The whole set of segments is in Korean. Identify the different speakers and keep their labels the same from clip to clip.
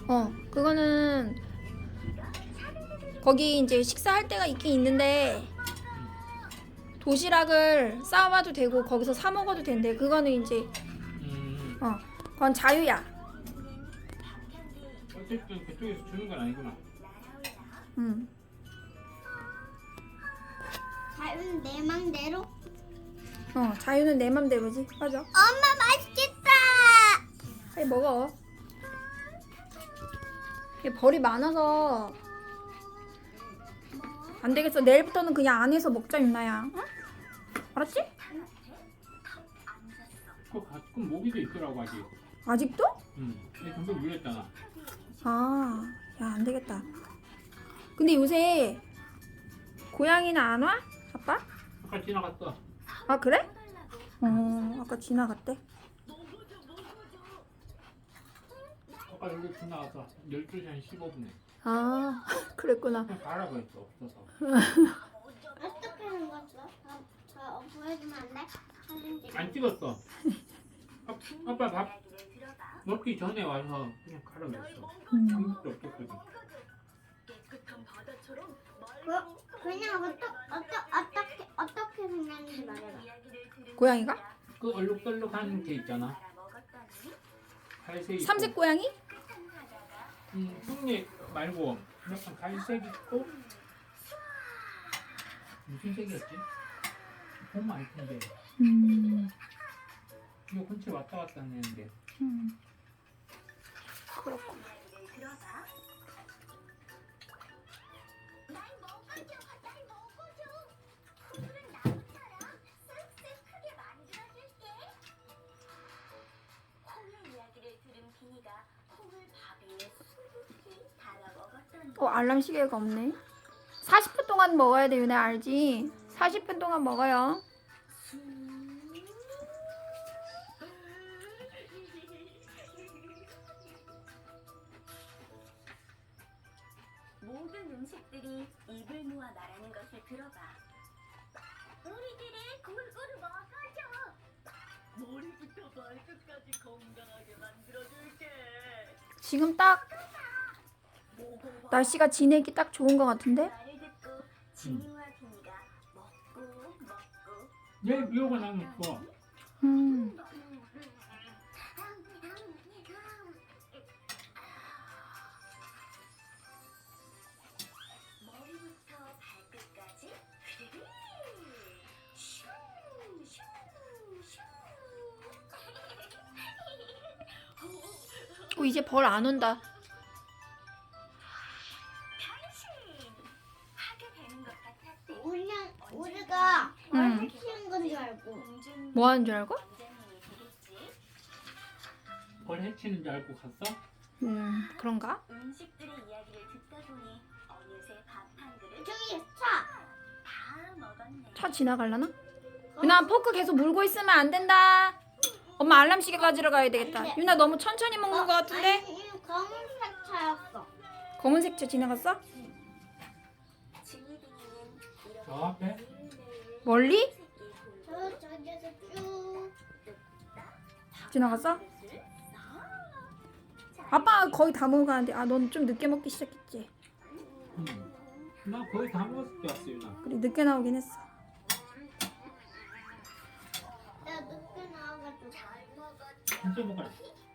Speaker 1: 그거는 거기 이제 식사할 때가 있긴 있는데 도시락을 싸와도 되고 거기서 사 먹어도 된대. 그거는 이제 그건 자유야.
Speaker 2: 어쨌든 그쪽에서 주는 건 아니구나.
Speaker 3: 자유는 내 맘대로.
Speaker 1: 자유는 내 맘대로지. 맞아.
Speaker 3: 엄마 맛있겠다.
Speaker 1: 빨리 먹어. 이게 벌이 많아서 안 되겠어. 내일부터는 그냥 안에서 먹자, 윤나야. 응? 알았지?
Speaker 2: 그거 가끔 모기도 있더라고 아직.
Speaker 1: 아직도?
Speaker 2: 근데 금방 물렸잖아.
Speaker 1: 야, 안 되겠다. 근데 요새 고양이는 안 와? 아빠?
Speaker 2: 아까 지나갔어.
Speaker 1: 아, 그래? 아까 지나갔대.
Speaker 2: 아까 여기 지나가서 12시 한 15분에.
Speaker 1: 그랬구나.
Speaker 2: 그냥 가라고 했어. 없어서.
Speaker 3: 어떻게 생겼어? 저 보여주면 안 돼? 사진 찍어.
Speaker 2: 안 찍었어. 아빠 밥 먹기 전에 와서 그냥 가라고 했어. 아무것도 없었거든.
Speaker 3: 그냥 어떻게 생겼는지 말해봐.
Speaker 1: 고양이가?
Speaker 2: 그 얼룩덜룩한 게 있잖아. 갈색 있고.
Speaker 1: 삼색 고양이?
Speaker 2: 흉내 말고 약간 갈색 있고 무슨 색이었지? 보면 알 텐데. 이거 근처에 왔다 갔다 하는데.
Speaker 1: 그렇구나. 알람 시계가 없네. 40분 동안 먹어야 돼, 윤혜 알지? 40분 동안 먹어요.
Speaker 4: 모든 음식들이 입을 모아 말하는 것을 들어봐. 우리들의 골고루 먹어줘. 머리부터 발끝까지 건강하게 만들어줄게.
Speaker 1: 지금 딱 날씨가 지내기 딱 좋은 것 같은데?
Speaker 4: 말을 듣고 진이와 비니가 먹고
Speaker 2: 얘 이거가 나는 좋아.
Speaker 4: 머리부터 발끝까지 슈, 슈, 슈.
Speaker 1: 이제 벌 안 온다.
Speaker 4: 하게 되는 것 같았대.
Speaker 3: 우리가 얼굴 키우는 건 줄 알고.
Speaker 1: 뭐 하는 줄 알고?
Speaker 2: 벌 해치는 줄 알고 갔어?
Speaker 1: 그런가?
Speaker 4: 음식들의 이야기를 듣다 보니 어느새 밥 한 그릇
Speaker 3: 저기 차.
Speaker 4: 다 먹었네.
Speaker 1: 차 지나갈라나? 윤아, 포크 계속 물고 있으면 안 된다. 엄마 알람 시계 가지러 가야 되겠다. 윤아, 너무 천천히 먹는 것 같은데?
Speaker 3: 아니, 이거 검은색 차였어.
Speaker 1: 검은색 차 지나갔어?
Speaker 2: 저 앞에?
Speaker 1: 멀리?
Speaker 3: 저기에서 쭉.
Speaker 1: 지나갔어? 아빠 거의 다 먹어가는데 넌 좀 늦게 먹기 시작했지?
Speaker 2: 나 거의 다 먹었을 때 왔어 유나.
Speaker 1: 그래, 늦게 나오긴 했어.
Speaker 3: 내가 늦게 나와가지고.
Speaker 2: 진짜 먹어라.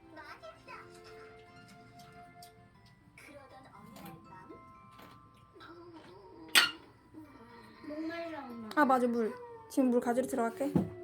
Speaker 4: 그러던 어느 밤
Speaker 3: 목말라 엄마.
Speaker 1: 맞아, 물. 지금 물 가지러 들어갈게.